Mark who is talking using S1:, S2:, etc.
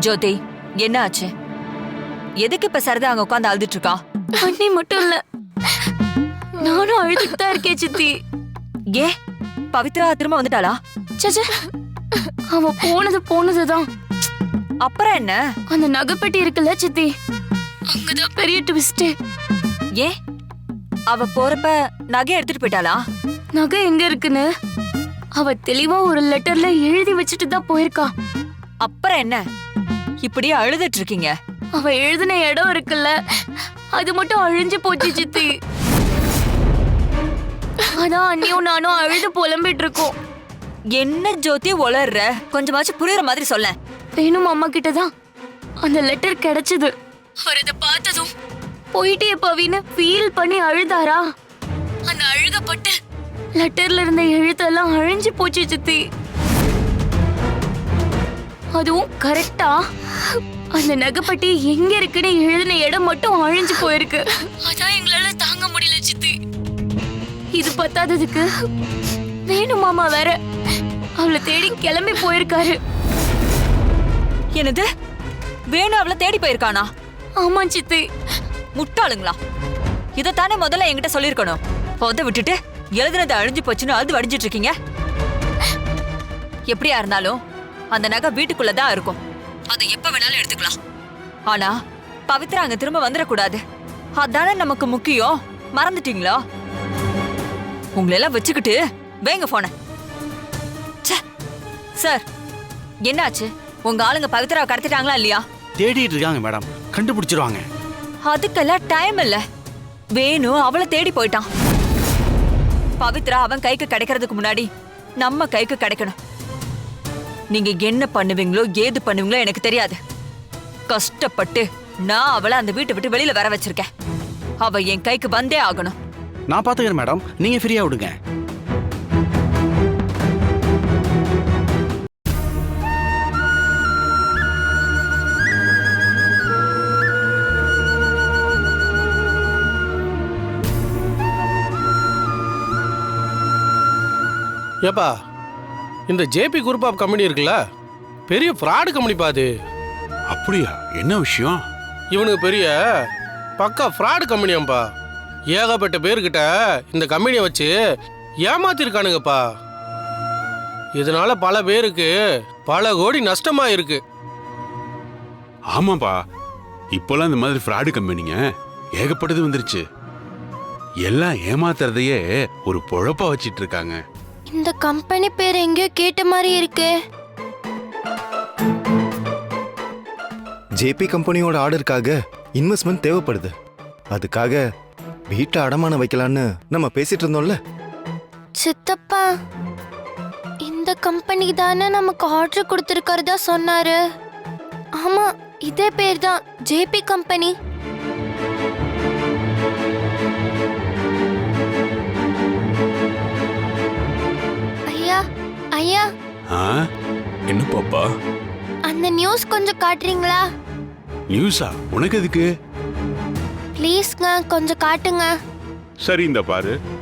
S1: ஜோதி, என்ன ஆச்சு? எதுக்கு இப்ப சரிதா அங்க உட்காந்து அழுதுட்டு இருக்கா?
S2: அண்ணி மட்டும் இல்ல, நானும் அழுதுட்டு தான் இருக்கேன் சித்தி.
S1: ஏ, பவித்ரா திரும்ப வந்துட்டாளா?
S2: சச்ச, அவ போனதுதான்.
S1: அப்புறம் என்ன?
S2: அந்த நகைப்பெட்டி இருக்குல்ல சித்தி, அங்கதான் பெரிய ட்விஸ்ட்.
S1: ஏ, அவ போறப்ப நகை எடுத்துட்டு போயிட்டாளா?
S2: நகை எங்க இருக்குன்னு அவ தெளிவா ஒரு லெட்டர்ல எழுதி வச்சுட்டு தான் போயிருக்கா.
S1: அப்புறம் என்ன இப்படியே அழுதுட்டு இருக்கீங்க?
S2: அவ எழுதின இடம் இருக்குல்ல, அது மட்டும் அழிஞ்சு போச்சு சித்தி. அதான் அண்ணியும் நானும் அழுது புலம்பிட்டு இருக்கோம்.
S1: என்ன ஜோதி உளர்ற? கொஞ்சமாச்சும் புரியுற மாதிரி சொல்ல.
S2: வேணும் அம்மா கிட்டதான் அந்த லெட்டர் கிடைச்சது. அவர் இதை பார்த்ததும் போயிட்டே பவின்னு ஃபீல் பண்ணி அழுதாரா. அந்த அழுகப்பட்டு லெட்டர்ல இருந்த எழுத்தெல்லாம் அழிஞ்சு போச்சு சித்தி. அதுவும் கரெக்டா அந்த நகைப்பட்டி எங்க இருக்குன்னு எழுதின இடம் மட்டும் அழிஞ்சு போயிருக்கு. அதான் எங்களால தாங்க முடியல சித்தி. இது பத்தாததுக்கு வேணும் மாமா வேற அவளை தேடி கிளம்பி போயிருக்காரு.
S1: என்னது? வேணு அவளை தேடி போயிருக்கானா?
S2: ஆமா சித்தி.
S1: முட்டாளுங்களா? இதத்தானே முதல்ல என்கிட்ட சொல்லிருக்கணும். பொத விட்டுட்டு எழுதுனது அழிஞ்சு போச்சுன்னு அது வடிஞ்சிட்டு இருக்கீங்க. எப்படியா இருந்தாலும் அந்த நகை வீட்டுக்குள்ளதான் இருக்கும். அதை எப்ப வேணாலும் எடுத்துக்கலாம். ஆனா பவித்ரா அங்க திரும்ப வந்துடக்கூடாது. அதானே நமக்கு முக்கியம். மறந்துட்டீங்களா? உங்களெல்லாம் வச்சுக்கிட்டு வேங்க போன. சார், என்னாச்சு? உங்க ஆளுங்க பவித்ராவை கடத்திட்டாங்களா இல்லையா?
S3: தேடிட்டு இருக்காங்க மேடம், கண்டுபிடிச்சிருவாங்க.
S1: அதுக்கெல்லாம் டைம் இல்ல. வேணு அவளை தேடி போயிட்டான். பவித்ரா அவன் கைக்கு கிடைக்கிறதுக்கு முன்னாடி நம்ம கைக்கு கிடைக்கணும். நீங்க என்ன பண்ணுவீங்களோ ஏது பண்ணுவீங்களோ எனக்கு தெரியாது. கஷ்டப்பட்டு நான் அவளை அந்த வீட்டை விட்டு வெளியில வர வச்சிருக்கேன். அவ என் கைக்கு வந்தே ஆகணும்.
S3: நான் பாத்துக்கிறேன் மேடம், நீங்க ஃப்ரீயா விடுங்க.
S4: ஏப்பா, இந்த ஜேபி குரூப் ஆஃப் கம்பெனி இருக்குல்ல, பெரிய ஃப்ராடு கம்பெனி பாது.
S3: அப்படியா? என்ன விஷயம்?
S4: இவனுக்கு பெரிய பக்கா ஃப்ராடு கம்பெனியாம்பா. ஏகப்பட்ட பேர்கிட்ட இந்த கம்பெனியை வச்சு ஏமாத்திருக்கானுங்கப்பா. இதனால பல பேருக்கு பல கோடி நஷ்டமா இருக்கு.
S5: ஆமாப்பா, இப்போலாம் இந்த மாதிரி ஃப்ராடு கம்பெனிங்க ஏகப்பட்டது வந்துருச்சு. எல்லாம் ஏமாத்துறதையே ஒரு பொழப்பா வச்சிட்டு இருக்காங்க.
S6: இந்த கம்பெனி பேர் எங்கேயோ கேட்ட மாதிரி இருக்கு.
S7: ஜேபி கம்பெனியோட ஆர்டருக்காக இன்வெஸ்ட்மெண்ட் தேவைப்படுது. அதுக்காக வீட்டை அடமானம் வைக்கலான்னு நம்ம பேசிட்டு இருந்தோம்ல.
S6: சித்தப்பா, இந்த கம்பெனி தானே நமக்கு ஆர்டர் கொடுத்துருக்கறதா சொன்னாரு. ஆமா, இதே பேர் தான், ஜேபி கம்பெனி. ஐயா ஐயா,
S5: என்ன பாப்பா?
S6: அந்த நியூஸ் கொஞ்சம் காட்டுறீங்களா?
S5: நியூஸா? உனக்கு எதுக்கு?
S6: ப்ளீஸ்ங்க, கொஞ்சம் காட்டுங்க.
S5: சரி, இந்த பாரு.